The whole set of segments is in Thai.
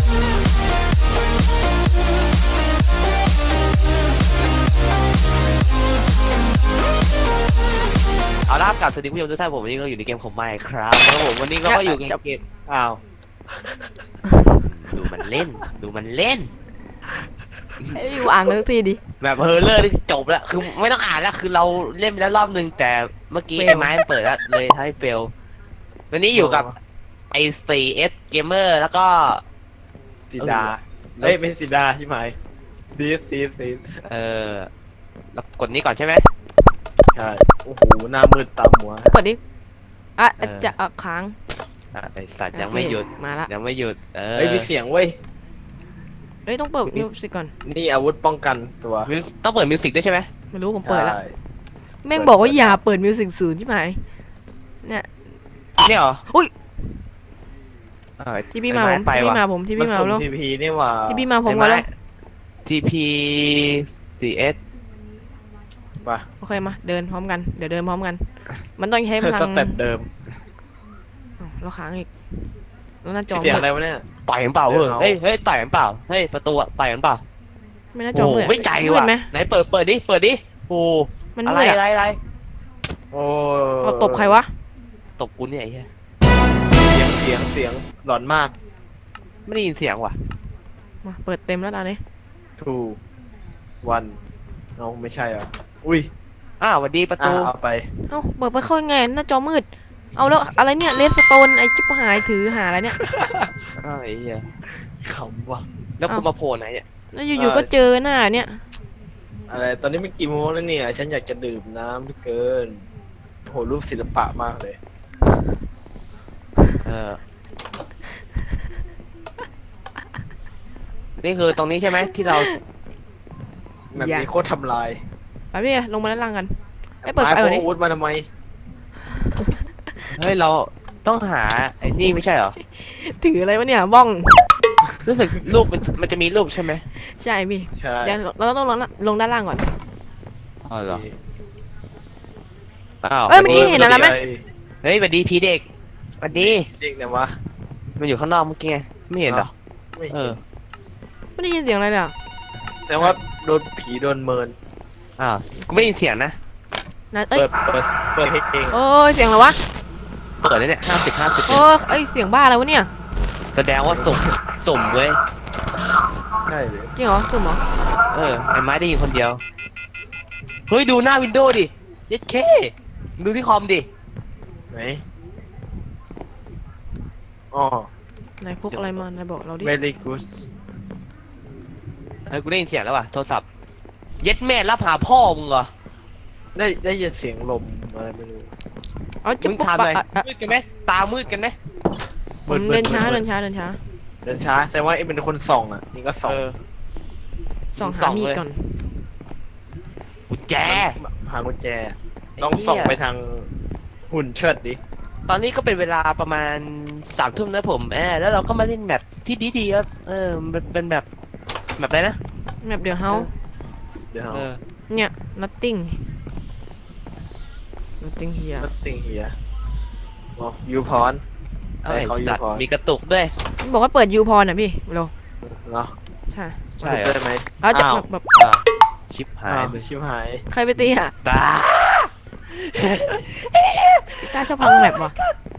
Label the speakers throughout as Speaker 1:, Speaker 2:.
Speaker 1: เอาล่ะกับสวัสดีผู้ชมทุกท่านผมวันนี้ก็อยู่ในเกมของไมค์ครับแล้วผมวันนี้ก็อยู่ในเกมอ้าวดูมันเล่นดูมันเล่น
Speaker 2: ไอ้วางเลยทีดิ
Speaker 1: แบบเฮอร์เลอร์ที่จบแล้วคือไม่ต้องอ่านแล้วคือเราเล่นไปแล้วรอบนึงแต่เมื่อกี้
Speaker 2: fail
Speaker 1: ไอ้ไม้มันเปิดแล้วเลยให้เฟลวันนี้อยู่กับไอ้4S Gamer แล้วก็
Speaker 3: สีดาเอ้ยไม่สีดาใช่ไหมซี
Speaker 1: แล้วกดนี้ก่อนใช่ไหม
Speaker 3: ใช่โอ้โหหน้ามืดตามหัว
Speaker 2: กดดิจะค้าง
Speaker 1: ไอ้สัตว์ยังไม่หยุด
Speaker 2: มาละ
Speaker 1: ยังไม่หยุด
Speaker 3: เฮ้ยมีเสียงเว้ย
Speaker 2: ต้องเปิดมิวสิกก่อน
Speaker 3: นี่อาวุธป้องกันตัว
Speaker 1: ต้องเปิดมิวสิกด้วยใช่ไหม
Speaker 2: ไม่รู้ผมเปิดแล้วแม่งบอกว่าอย่าเปิดมิวสิกศูนย์ใช่ไหมเนี่ย
Speaker 1: เหรอ
Speaker 2: อุ้ยที่พี่มาผมที่พี่มาผมที่พี่มาแล้ว
Speaker 3: ทีพีนี่ว่า
Speaker 2: ที่พี่มาผมมาแล้ว
Speaker 1: TP 4S
Speaker 3: ป่ะ
Speaker 2: โอเคมาเดินพร้อมกันเดี๋ยวเดินพร้อมกันมันต้องใช้พลัง
Speaker 3: สเต็ปเดิม
Speaker 2: เราค้างอีกแล้วหน้าจอ
Speaker 3: เสียงอะไรวะเนี่ย
Speaker 1: ต่อยกันเปล่าเฮ้ยต่อยกันเปล่าเฮ้ยประตูต่อยกันเปล่า
Speaker 2: ไม่น่าจอมืด
Speaker 1: ไม่ใจว่ะไหนเปิดดิโอ้
Speaker 2: มัน
Speaker 1: อะไร
Speaker 3: โอ้
Speaker 2: ตบใครวะ
Speaker 1: ตบกูเนี่ยไอ้เหี้ย
Speaker 3: เสียงหลอนมาก
Speaker 1: ไม่ได้ยินเสียงว่ะ
Speaker 2: มาเปิดเต็มแล้วตอนนี้
Speaker 3: 2 1เอาไม่ใช่อ่ะอุ้ย
Speaker 1: สวัสดีประตู
Speaker 3: เอาไป
Speaker 2: เปิดไปเข้ายังไงหน้าจอมืดเอาแล้วอะไรเนี่ยเลสโตนไอ้จิ๊บหายถือหาอะไรเนี่ย
Speaker 1: ไอ้เหี้ย
Speaker 3: ขำว่ะ
Speaker 1: แล้วกูมาโผล่ไหนเนี่ย
Speaker 2: แล้วอยู่ๆก็เจอหน้าเนี่ย
Speaker 3: อะไรตอนนี้มันกี่โมงแล้วเนี่ยฉันอยากจะดื่มน้ำเหลือเกินโหรูปศิลปะมากเลย
Speaker 1: นี่คือตรงนี้ใช่ไหมที่เรา
Speaker 3: แบบนี้โคตรทำลาย
Speaker 2: ไปพี่ลงมาด้านล่างกันเปิดไฟก่อนดิ
Speaker 3: อาวุธมาทำไม
Speaker 1: เฮ้ยเราต้องหาไอ้นี่ไม่ใช่เหรอ
Speaker 2: ถืออะไรวะเนี่ยบ้อง
Speaker 1: รู้สึกรูปมันจะมีรูปใช่ไหม
Speaker 2: ใช่พี่
Speaker 3: ใช่
Speaker 2: เดี๋ยวเราต้องลงด้านล่างก่อน
Speaker 1: เหรอ
Speaker 2: เมื่อกี้เห็นอะไรไหม
Speaker 1: เฮ้ยสวัสดีพีเด็กสวัสดี
Speaker 3: เด็กเนี่ยวะ
Speaker 1: มันอยู่ข้างนอกเมื่อกี้ไม่เห็นเหรอ
Speaker 2: ไม่ได้ยินเสียงอะไรเลย
Speaker 3: แต่ว่าโดนผีโดนเมิน
Speaker 1: กูไม่ได้ยินเสียงนะ
Speaker 3: เปิดเพลง
Speaker 2: เสียงอะไรวะ
Speaker 1: เปิดเลยเนี่ย
Speaker 2: เสียงบ้าอะไรวะเนี่ย
Speaker 1: แสดงว่าสุ่มเว้ย
Speaker 3: ใช่เลย
Speaker 2: จริงเหรอสุ่มเหรอ
Speaker 1: ไอ้ไม้ได้ยินคนเดียวเฮ้ยดูหน้าวินโดว์ดิเย็ดเคดูที่คอมดิ
Speaker 3: ไหนอ๋
Speaker 2: นายพกอะไรมานายบอกเราดิ
Speaker 3: very good
Speaker 1: เฮ้ยกูได้ยินเสียงแล้วว่ะโทรศัพท์เย็ดแม่รับหาพ่อมึงเหรอ
Speaker 3: ได้ยินเสียงลมอะไรไม่รู้
Speaker 1: มึงทำอะไรมืดกันไหมตามืดกันไหม
Speaker 2: เดินช้า
Speaker 3: แต่ว่าเป็นคนส่องอ่ะนี่ก็ส่อง
Speaker 2: หามีดก่อน
Speaker 1: กุญแจ
Speaker 3: หากุญแจต้องส่องไปทางหุ่นเชิดดิ
Speaker 1: ตอนนี้ก็เป็นเวลาประมาณ3 ทุ่มนะผมแล้วเราก็มาเล่นแบบที่ดีครับเป็นแบบอะไรนะ
Speaker 2: แบบเดี๋ยวเฮาเนี่ย nothing here
Speaker 3: บอกยูพร
Speaker 1: เขาสัตว์มีกระตุกด้วย
Speaker 2: บอกว่าเปิดยูพรน่ะพี่โล
Speaker 3: เหรอ
Speaker 2: ใช่
Speaker 3: ได้ไหม
Speaker 2: เราจะแบบ
Speaker 1: ชิบหาย
Speaker 2: ใครไปตีอ่ะ
Speaker 1: ตา
Speaker 2: ชอบพังแมปวะ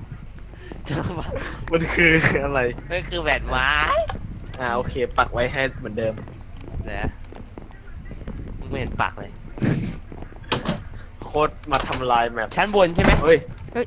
Speaker 3: มันคืออะไร
Speaker 1: มันคือแหวนไม้
Speaker 3: โอเคปักไว้ให้เหมือนเดิม
Speaker 1: นะไม่เห็นปักเลย
Speaker 3: โคตรมาทำลายแมป
Speaker 1: ชั้นบนใช่ไหม
Speaker 3: เฮ้ย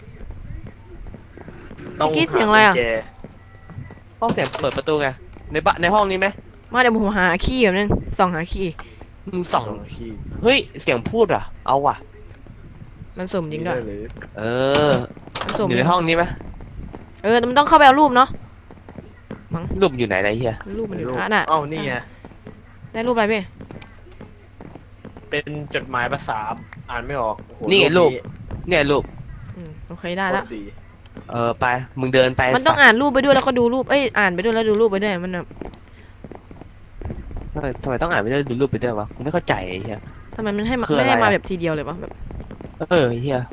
Speaker 2: ต้องเสียงอะไรอ่ะ
Speaker 1: ห้องเสียงเปิดประตูไงในห้องนี้ไหม
Speaker 2: มาเดี๋ยวผมหาคีย์แบบนึงส่องหาคีย์
Speaker 1: ส่องคีย์เฮ้ยเสียงพูดอ่ะเอาว่ะ
Speaker 2: มันสุ่มจริงด้วย
Speaker 1: อยู่ในห้องนี้ไหม
Speaker 2: มันต้องเข้าไปเอารูปเนาะ
Speaker 1: รูปอยู่ไหนเฮีย
Speaker 2: รูปมันอยู่น่ะ
Speaker 3: นี่ไง
Speaker 2: ได้รูปอะไรพี่
Speaker 3: เป็นจดหมายภาษาอ่านไม่ออก
Speaker 1: นี่รูปเนี่ยรูป
Speaker 2: โอเคได้แล้ว
Speaker 1: ไปมึงเดินไป
Speaker 2: มันต้องอ่านรูปไปด้วยแล้วก็ดูรูปอ่านไปด้วยแล้วดูรูปไปด้วยมัน
Speaker 1: ทำไมต้องอ่านไปด้วยดูรูปไปด้วยวะผมไม่เข้าใจเฮีย
Speaker 2: ทำไมมันไม่ให้มาแบบทีเดียวเลยวะแบบ
Speaker 1: เฮีย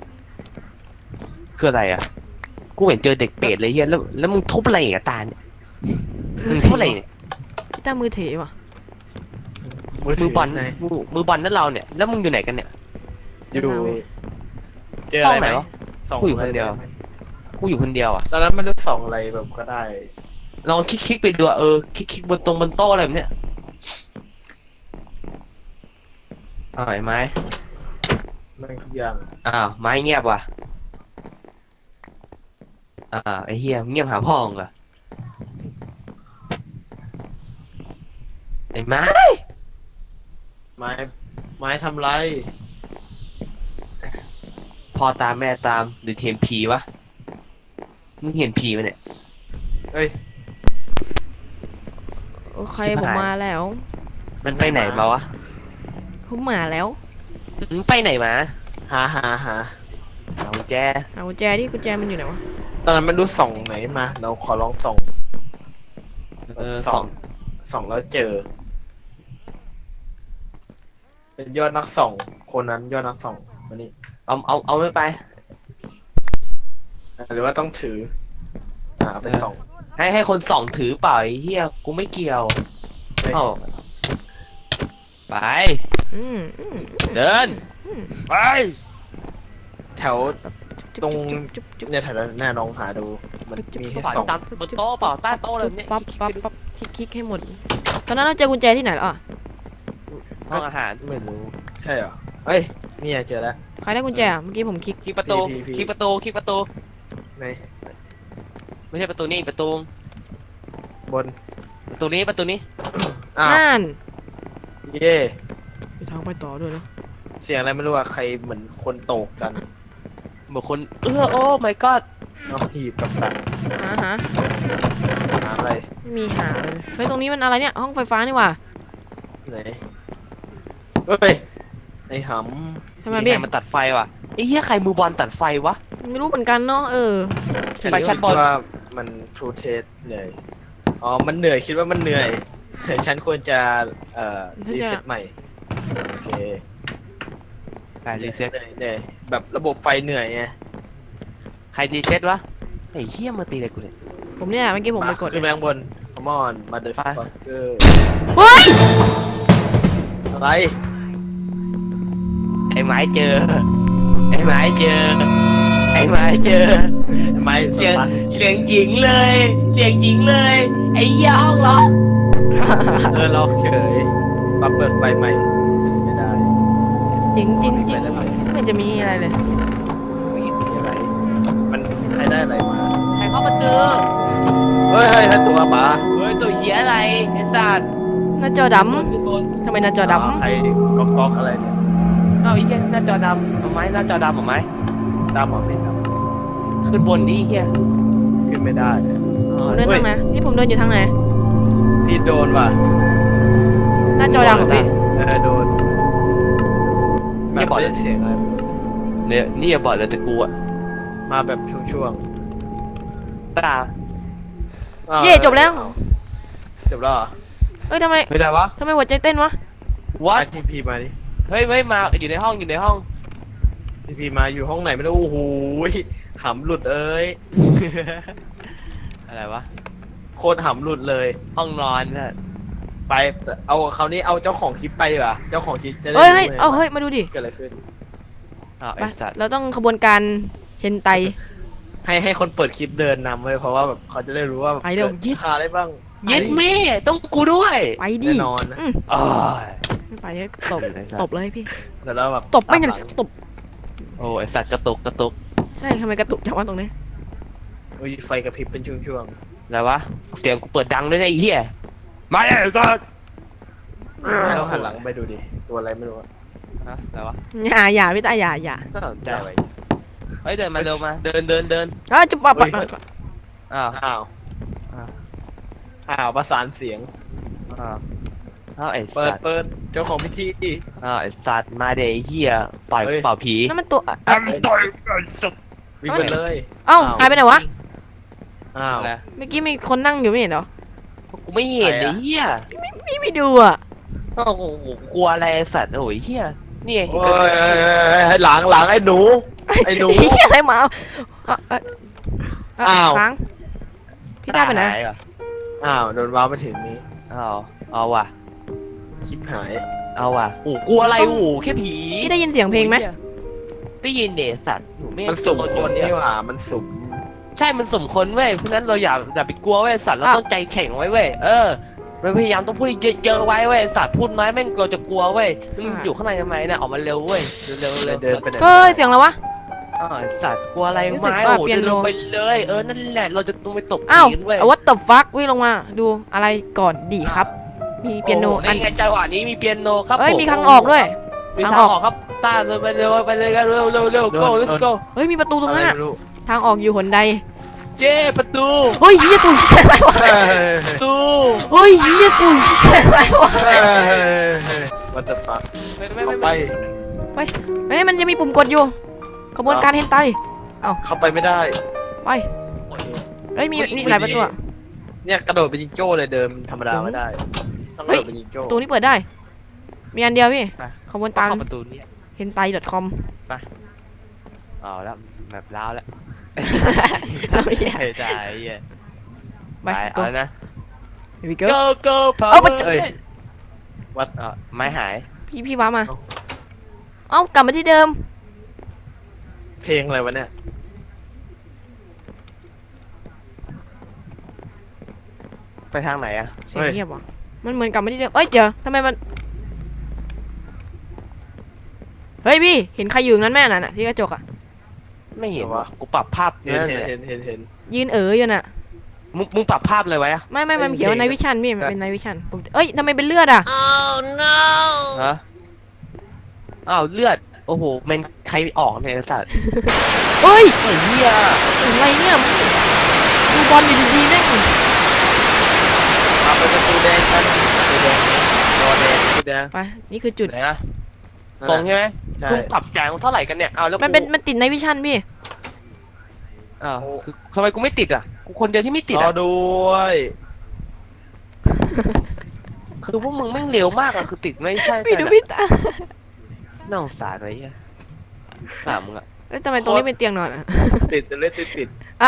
Speaker 1: คืออะไรอ่ะกูเห็นเจอเด็กเปรตเลยเฮียแล้วมึงทุบอะไรกับตาเนี่ยมึงเท่าไหร่เนี่ย
Speaker 2: พี่ต้ามือถือว่ะ
Speaker 1: มือบอล
Speaker 3: ไหน
Speaker 1: มือบอลนั่นเราเนี่ยแล้วมึงอยู่ไหนกันเนี่ย
Speaker 3: อยู่เจอ
Speaker 1: ห้
Speaker 3: อะ
Speaker 1: อง
Speaker 3: ไร
Speaker 1: ไหน
Speaker 3: ไหม
Speaker 1: วะ
Speaker 3: ส่อง
Speaker 1: กูอยู่
Speaker 3: อะไร
Speaker 1: คนเดียว
Speaker 3: ได้ไหม
Speaker 1: กูอยู่คนเดียวอ่ะ
Speaker 3: ตอนนั้นมันจะส่องอะไรแบบก็ได้
Speaker 1: ลองคลิกไปดูอะคลิกบนบนโต๊ะอะไรแบบเนี้ยเอาไอ้ไม้
Speaker 3: มันทุกอย่าง
Speaker 1: อ้าวไม้เงียบว่ะไอ้เฮียเงียบหาพ่อมึงเหรอไอ้ไม้
Speaker 3: ไม้ไม้ทำไร
Speaker 1: พ่อตามแม่ตามหรือเทมผีวะมึงเห็นผีมั้ยเนี่ย
Speaker 3: เอ้ย
Speaker 2: โอเค
Speaker 1: ชิบ
Speaker 2: ผม
Speaker 1: หาย
Speaker 2: มาแล้ว
Speaker 1: มันไปไหนมาวะ
Speaker 2: ผมมาแล้ว
Speaker 1: มึงไปไหนมา
Speaker 3: หา
Speaker 1: เอากุญแจ
Speaker 2: เอากุญแจดิกุญแจมันอยู่ไหนวะ
Speaker 3: ตอนนั้นมันรู้ส่องไหนมา เราขอลองส่อง
Speaker 1: สอง
Speaker 3: ส่องแล้วเจอ เป็นยอดนักส่องคนนั้นยอดนักส่องวันนี้
Speaker 1: เอาไม่ไป
Speaker 3: หรือว่าต้องถือเอาไปส่อง
Speaker 1: ให้คนส่องถือเปล่าไอ้เฮียกูไม่เกี่ยว
Speaker 3: เฮ้ย
Speaker 1: เอาไป
Speaker 2: อืม
Speaker 1: เดิน ไป
Speaker 3: แถว ตรง
Speaker 2: จุ๊บจุ๊บ
Speaker 3: เนี่ยแถวนั้นแน่ลองหาดู มันมีให้
Speaker 1: ฝ่าย
Speaker 3: ส่อง
Speaker 1: ตามบนโต๊ะเปล่าใต้โต๊ะอะไรแบบเนี้ย
Speaker 2: ปั๊บปั๊บปั๊บคลิกให้หมด ตอนนั้นเราเจอกุญแจที่ไหนแล้วอ่ะ
Speaker 1: ห้องอาหาร
Speaker 3: ไม่รู้ ใช่เหรอ เฮ้ย เนี่ยเจอแล้ว
Speaker 2: ใครได้กุญแจอ่ะเมื่อกี้ผมคลิก
Speaker 1: คลิกประตู
Speaker 3: พี่
Speaker 1: คลิกประตูคลิกประตู
Speaker 3: ใน
Speaker 1: ไม่ใช่ประตูนี่ประตู
Speaker 3: บน
Speaker 1: ประตูนี้ประตูนี้
Speaker 3: อ้าว
Speaker 2: นั่น
Speaker 3: เย่
Speaker 2: มีทางไปต่อด้วยนะ
Speaker 3: เสียงอะไรไม่รู้อะใครเหมือนคนโตกกัน
Speaker 1: เหมือนคนโอ้ my god
Speaker 3: เอาหีบกับดัก
Speaker 2: หา
Speaker 3: หาอะไร
Speaker 2: ไม่มีหาเลยเฮ้ยตรงนี้มันอะไรเนี่ยห้องไฟฟ้านี่หว่า
Speaker 3: ไหนเฮ้ย ไอ้ห
Speaker 2: ทำไม
Speaker 1: มี
Speaker 2: พี่
Speaker 1: ใครมาตัดไฟวะไอ้เหี้ยใครมือบอลตัดไฟวะ
Speaker 2: ไม่รู้เหมือนกันเนาะ
Speaker 3: ำ
Speaker 1: ไปชั้นบน
Speaker 3: ว่ามันทูเทสเหนื่อย อ๋อ มันเหนื่อยคิดว่ามันเหนื่อย ฉันควรจะรีเซ็ตใหม่ โอเค
Speaker 1: ใครรีเซ็ต
Speaker 3: เหนื่อยแบบระบบไฟเหนื่อยไง
Speaker 1: ใครรีเซ็ตวะไอ้เหี้ยมาตีอะไรกูเนี่ย
Speaker 2: ผมเนี่ยเมื่อกี้ผมไปกด
Speaker 3: ขึ้นไปข้างบน come on มาเด
Speaker 1: ไป
Speaker 3: ฟักเกอร์
Speaker 2: เฮ้ย
Speaker 3: อะไร
Speaker 1: ไอ้ไม้เจอ ไอ้ไม้เจอ ไอ้ไม้เจอ
Speaker 3: ไม่ส
Speaker 1: เสียง
Speaker 3: ตาร์ท
Speaker 1: เสียงหญิงเลยเสียงหญิงเลย ไอ้เหี้ยห้องเหรอ
Speaker 3: เราเฉยมาเปิดไฟใหม่ ไม่ได้
Speaker 2: จริงจริงจริง
Speaker 3: ไปได้ไหม
Speaker 2: ไม่เห็นจะมีอะไรเลย
Speaker 3: มีอะไร มันใครได้อะไรมา
Speaker 1: ใครเข้ามาเจอ
Speaker 3: เฮ้ยเฮ้ยตัวป๋า
Speaker 1: เฮ้ยตัวเหี้ยอะไรไอ้สัตว์
Speaker 2: หน้าจอด
Speaker 1: คือบน
Speaker 2: ำทำไมหน้าจอด
Speaker 3: ใครก๊อกอะไรเนี่ย
Speaker 1: เอาไอ้เหี้ยหน้าจอดำเอาไหมหน้าจอดำเอาไหม
Speaker 3: ดำเหรอไม่ด
Speaker 1: ขึ้นบนดิเหี้ย
Speaker 3: ำขึ้นไม่ได้อะ
Speaker 2: ำผมเดินทางไหนนี่ผมเดินอยู่ทางไหน
Speaker 3: พี่โดนว่ะ
Speaker 2: หน้าจอดำเหรอพี่
Speaker 3: โดนแบบไม่ได้เสียงอะไร
Speaker 1: เนี่ยนี่อย่าบอกเลยแต่กูอะ
Speaker 3: มาแบบช่วง
Speaker 1: ตา
Speaker 3: ๆอ้าว
Speaker 2: เย่จบแล้ว
Speaker 3: จบแล้วเหรอ
Speaker 2: เอ้ยทำไม
Speaker 1: ไม่ได้วะ
Speaker 2: ทำไมหัวใจเต้นวะ
Speaker 1: วัด
Speaker 3: ทีพีมาดิ
Speaker 1: เฮ้ยมาอยู่ในห้องอยู่ในห้อง
Speaker 3: ทีพีมาอยู่ห้องไหนไม่รู้โอ้โหหำหลุดเอ้ย
Speaker 1: อะไรวะ
Speaker 3: โคตรหำหลุดเลย
Speaker 1: ห้องนอนน่ะ
Speaker 3: ไปเอาคราวนี้เอาเจ้าของคลิปไปดีกว่าเจ้าของคลิปจะได้
Speaker 2: เฮ้ย
Speaker 3: รู้
Speaker 2: เฮ้ย
Speaker 3: ไง
Speaker 2: เอาเฮ้ยมาดูดิ
Speaker 3: เกิดอะไรขึ้น
Speaker 1: อ้าว
Speaker 2: ไป
Speaker 1: ไอ้สัตว์
Speaker 2: เราต้องขบวนการเฮนไต
Speaker 3: ให้คนเปิดคลิปเดินนำไว้เพราะว่าแบบเขาจะได้รู้ว่า
Speaker 2: ไปเร็ว
Speaker 3: ยี่หาอะไรบ้าง
Speaker 1: เย็ดแม่ต้องกูด้วย
Speaker 2: ไปดิ
Speaker 3: แน่นอนนะ
Speaker 1: อ้าย
Speaker 2: ไม่ไปเนี่ยตบ
Speaker 1: ไอ้สัตว์
Speaker 2: ตบเลยพี่
Speaker 3: แต่แล้วแบบ
Speaker 2: ตบไม่
Speaker 3: ตา
Speaker 2: เนี่ย
Speaker 3: หลัง
Speaker 2: ตบ
Speaker 1: โอ้ไอ้สัตว์กระตุกกระตุก
Speaker 2: ใช่ทำไมกระตุกจังวะตรงนี้
Speaker 3: อุ้ยไฟกระพริบเป็นช่วง
Speaker 1: อะไรวะเสียงกูเปิดดังด้วยนะไอ้เหี้ยมาเลยสัตว์
Speaker 3: ๆให้เราหันหลังไปดูดิตัวอะไรไม่รู้อะ
Speaker 1: ฮะอะไรวะ
Speaker 2: อย่าพี่ตาอย่า
Speaker 1: น่าสนใจไว้เฮ้ยเดินมาเร็วมาเดิน
Speaker 2: จะปะปะ
Speaker 1: อ้าว
Speaker 3: อ้าว
Speaker 1: อ้าว
Speaker 3: อ้าวประสานเสียง
Speaker 1: อ้าวอ้าวไอ้
Speaker 3: เปิ
Speaker 1: สั
Speaker 3: ด
Speaker 1: ตว์
Speaker 3: เปิดเจ้าของพิธี
Speaker 1: อ้าวไอ้สัตว์มาเดไอ้เหี้ยต่อย
Speaker 3: เฮ้ย
Speaker 1: เป่าผี
Speaker 2: นั่นมันตัว
Speaker 1: ต่อยไอ้สัตว์
Speaker 3: วิ่งไปเลย
Speaker 2: เอ้าหายไปไหนวะ
Speaker 3: อ้าว
Speaker 1: อะไร
Speaker 2: เมื่อกี้มีคนนั่งอยู่ไม่เห็นเหรอ
Speaker 1: กูไม่เห็น
Speaker 3: ใคร
Speaker 1: ไอ้
Speaker 3: อะ
Speaker 1: เหี้ย
Speaker 2: พี่ไม่ดูอ่ะ
Speaker 1: โอ้โหกลัวอะไรไอ้สัตว์โอ้ยเหี้ยนี่ไง
Speaker 3: โอ้ยหลังไอ้หนูไอ้หนู
Speaker 2: เฮียอะไรมาเอา
Speaker 3: อ้าว
Speaker 2: ค้างพี่ตาไปไหน
Speaker 1: หยเหรอ
Speaker 3: อ้าวโดนว้าวมาถึงนี้
Speaker 1: เอาว่ะ
Speaker 3: ชิบหาย
Speaker 1: เอาว่ะโอ้กลัวอะไรโอ้แค่ผี
Speaker 2: พี่ได้ยินเสียงเพลงไหม
Speaker 1: ได้ยินเดสัตว์หนูไม่
Speaker 3: มันสุ่มคนนี่
Speaker 1: เนี่ย
Speaker 3: หว่ามันสุ่ม
Speaker 1: ใช่มันสุ่มคนเว้ยเพราะฉะนั้นเราอย่าไปกลัวเว้ยสัตว์เราต้องใจแข็งไว้เว้ยเราพยายามต้องพูดเยอะๆไว้เว้ยสัตว์พูดน้อยแม่งเราจะกลัวเว้ยมันอยู่ข้างในทำไมเนี่ยออกมาเร็วเว้ยเร็ว
Speaker 3: เดินไปไหน
Speaker 2: เฮ้ยเสียงอะไรวะ
Speaker 1: สัตว์กลัวอะไร
Speaker 2: รู้สึก
Speaker 1: ไม้
Speaker 2: ว่า
Speaker 1: โอ้
Speaker 2: เปียโน
Speaker 1: เดินลงไปเลยนั่นแหละเราจะต้องไปตบ
Speaker 2: อ้าว
Speaker 1: ผีกันเว้ย
Speaker 2: what the fuck วิ่งลงมาดูอะไรก่อนดีครับ มีเปียโน
Speaker 1: ในไงจังหวะนี้มีเปียโนครับ
Speaker 2: เอ้ย
Speaker 1: ผ
Speaker 2: มีทางออกด้วย
Speaker 1: มี
Speaker 2: ทาง
Speaker 1: ทาง
Speaker 2: ออก
Speaker 1: ออกครับตาเลยไปเลยกันเร็ว go let's go
Speaker 2: เฮ้ยมีประตูตรงนั้น
Speaker 3: อะไร
Speaker 2: อะ
Speaker 3: ไม่รู้
Speaker 2: ทางออกอยู่หนใด
Speaker 1: เจ้ประตู
Speaker 2: เฮ้ยเฮียตุ่ยเชี่ยอะไรวะ
Speaker 1: ประตู
Speaker 2: เฮ้ยเฮียตุ่ยเชี่ยอะไรวะ
Speaker 3: วัตถุฟัก
Speaker 1: ไม่
Speaker 3: เข้าไป
Speaker 2: เฮ้ยมันยังมีปุ่มกดอยู่ขบวนการเฮนไต
Speaker 3: เข้าไปไม่ได้
Speaker 2: ไปเฮ้ยมีหลายประตูอะ
Speaker 3: เนี่ยกระโดดเป็นจิงโจ้เลยเดิมธรรมดาไม่ได้ต้องกระโดดเป็นจิงโจ้
Speaker 2: ประตูนี้เปิดได้ มีอันเดียวพี่ขบวนการ
Speaker 1: เข้าประตูนี้
Speaker 2: เฮนไต .com
Speaker 1: เอาแล้วแบบล้าวแล้ว
Speaker 2: ไม่ใช่
Speaker 1: ไม่ได้เหี้ย
Speaker 2: ไป
Speaker 1: ไป
Speaker 2: go
Speaker 1: เอานะ
Speaker 2: here we go
Speaker 1: go
Speaker 2: เอาไป
Speaker 1: วัดไม้หาย
Speaker 2: พี่ว้ามา เอ้ากลับมาที่เดิม
Speaker 3: เพลงอะไรวะเนี่ย
Speaker 1: ไปทางไหนอะ
Speaker 2: เสียงเงียบว่ะมันเหมือนกลับมาที่เดิมเอ้ยเดี๋ยวทำไมมันเฮ้ยพี่เห็นใครอยู่นั้นแม่น่ะที่กระจกอะ
Speaker 1: ไม่เห็นวะกูปรับภาพ
Speaker 3: เห็น
Speaker 1: นั่น
Speaker 3: เห็น
Speaker 1: แหละ
Speaker 3: เห็น
Speaker 2: ยืนอยู่น่ะ
Speaker 1: มึงปรับภาพเลยไว้อะ
Speaker 2: ไม่มันเขียนว่า
Speaker 3: เห็น
Speaker 2: ในวิชั่นพี่มันเป็นในวิชั่นผมเอ้ยทำไมเป็นเลือดอะ
Speaker 1: ฮะอ้าวเลือดโอ้โหมันใครออกเนี่ยไอ้สัตว์
Speaker 2: เฮ้ย
Speaker 1: ไอ้เหี้ย
Speaker 2: อะไรเนี่ยดูบอลอยู่ดีๆแม่ง
Speaker 3: เอาไปประตูแดงกันประตูแดงรอแดงประตูแดง
Speaker 2: ไปนี่คือจุด
Speaker 1: ไหนอะตรงใช่ไหม
Speaker 3: ใช่
Speaker 1: มึงปรับแสงเท่าไหร่กันเนี่ยเอาแล้ว
Speaker 2: มันติดในวิชั่นพี่
Speaker 1: อ้าวคือทำไมกูไม่ติดอ่ะกูคนเดียวที่ไม่ติด
Speaker 3: รอ
Speaker 1: อ่ะ
Speaker 3: ด้วย
Speaker 1: คือพวกมึงแม่งเร็วมากอ่ะคือติดไม่ใช่
Speaker 2: พี่ดู
Speaker 1: แต่
Speaker 2: พี่ตา
Speaker 1: น่าสงสารอะไรเงี้ยถามมึงอ่ะ
Speaker 2: แล้วทำไมตรงนี้เป็นเตียงนอนอะ
Speaker 3: ติดเล่นติด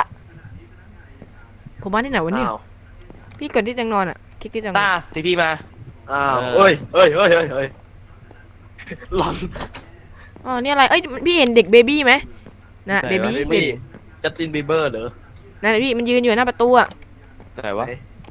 Speaker 2: ผมมาที่ไหนวะเนี่ย
Speaker 3: อ้าว
Speaker 2: พี่กดที่เตียงนอนอะคลิกที่เตียงนอ
Speaker 1: ตาน ทีพีมา
Speaker 3: อ้าว
Speaker 1: เออ
Speaker 3: เฮ้ยหลอน
Speaker 2: อ๋อนี่อะไรเอ้ยพี่เห็นเด็กเบบี้ไหมนะ
Speaker 1: ไหน
Speaker 2: เบ
Speaker 1: วะ
Speaker 2: บี้
Speaker 3: ไม่มีจัสตินบีเบอร์เหรอ
Speaker 2: นั่นแหละพี่มันยืนอยู่หน้าประตูอะ
Speaker 1: ไหนวะ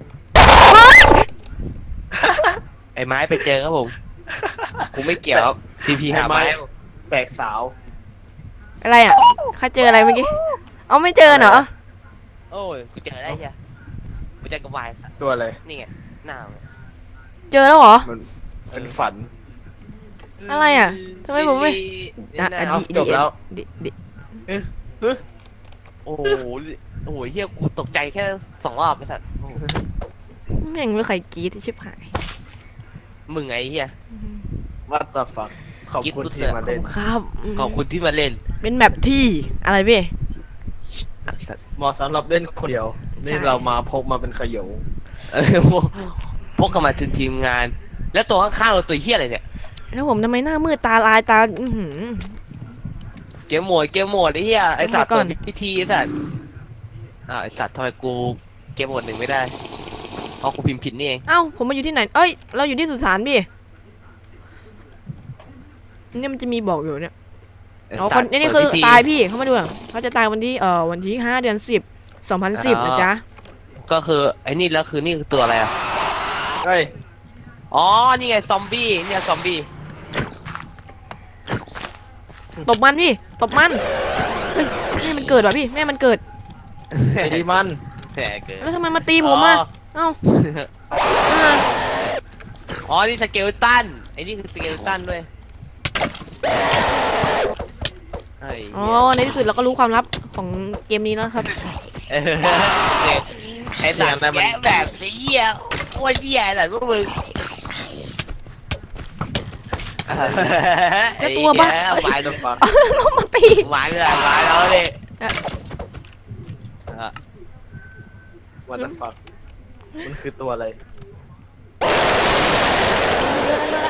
Speaker 1: ไอ้ไม้ไปเจอครับผมกูไม่เกี่ยวครับทีพีหาไม้
Speaker 3: แบกสาว
Speaker 2: อะไรอะเขาเจออะไรเมื่อกี้เอาไม่เจอเหรอ
Speaker 1: โอ้ยกูเจอได้เหี้ยกูเจอกระวายสัตว์
Speaker 3: ตัวอะไร
Speaker 1: นี่ไงหน้ามึง
Speaker 2: เจอแล้วเหรอ
Speaker 3: เป็นฝัน
Speaker 2: อะไรอ่ะทำไมผมไม่ อ่ะ
Speaker 1: นี่
Speaker 2: อ่ะ
Speaker 1: นะ
Speaker 3: เอาจบแล้ว
Speaker 2: ดิ
Speaker 1: โอ้โหโอ้โหเฮียกูตกใจแค่2 รอบไอ้สัตว์โอ้โห
Speaker 2: แม่งไม่ใครกรีดชิบหาย
Speaker 1: มึงไงเฮีย
Speaker 3: วัตถุฟักขอบคุณที่มา
Speaker 2: ขอบ
Speaker 3: เล่น
Speaker 2: คุณครับ
Speaker 1: ขอบคุณที่มาเล่น
Speaker 2: เป็นแบบที่อะไรพี่
Speaker 1: อ่ะสัตว์
Speaker 3: เหมาะสำหรับเล่นคนเดียว นี่
Speaker 2: ใช่
Speaker 3: เรามาพกมาเป็นขยง
Speaker 1: พวกกันมาถึงทีมงาน แล้วตัวข้างๆเราตัวเฮียอะไรเนี่ย
Speaker 2: แล้วผมทำไมหน้ามืดตาลายตาอื้อหือ
Speaker 1: เกมโหมดไอ้เฮียไอ้สัตว์
Speaker 2: เกมโหมดก่อน
Speaker 1: เปิดพิธีไอ้สัตว์ไอ้สัตว์ทำไมกูเกมโหมด 1ไม่ได้เพราะกูพิมพ์ผิดนี่เอง
Speaker 2: เอ้าผมมาอยู่ที่ไหนเอ้ยเราอยู่ที่สุสานพี่เนี่ยมันจะมีบอกอยู่เนี่ย
Speaker 1: ไอ้
Speaker 2: อ๋อ
Speaker 1: สั
Speaker 2: ค
Speaker 1: ต
Speaker 2: น
Speaker 1: ว์
Speaker 2: นี่คือ
Speaker 1: เปิดพิธี
Speaker 2: ตายพี่เขามาดูอ่ะเขาจะตายวันที่5 เดือน 10 2010นะจ๊ะ
Speaker 1: ก็คือไอ้นี่แล้วคือนี่คือตัวอะไรอ่ะ
Speaker 3: เฮ้ย
Speaker 1: อ๋อนี่ไงซอมบี้เนี่ยซอมบี้
Speaker 2: ตบมันพี่ตบมันเฮ้ยแม่มันเกิดว่ะพี่แม่มันเกิด
Speaker 3: ไอ้ดีมัน
Speaker 1: แหมเกิน
Speaker 2: แล้วทำไมมาตีผมอ่ะเอ้าอ่า
Speaker 1: อ๋อ นี่สเกลตัน ไอ้นี่คือสเกลตันด้วยเฮ้ย
Speaker 2: อ๋อในที่สุดเราก็รู้ความลับของเกมนี้แล้วครับ
Speaker 1: เออเนี่ยไอ้สัตว์แกะแบบเหี้ยโอ้ยเหี้ยอะไรพวกมึง
Speaker 2: แล้วตัวบ้า
Speaker 1: ไม้ตัวฟัง
Speaker 2: เรามาตี
Speaker 1: ไม้เลยไม้แล้วดิ
Speaker 3: วัตถุฟักมันคือตัวอะไร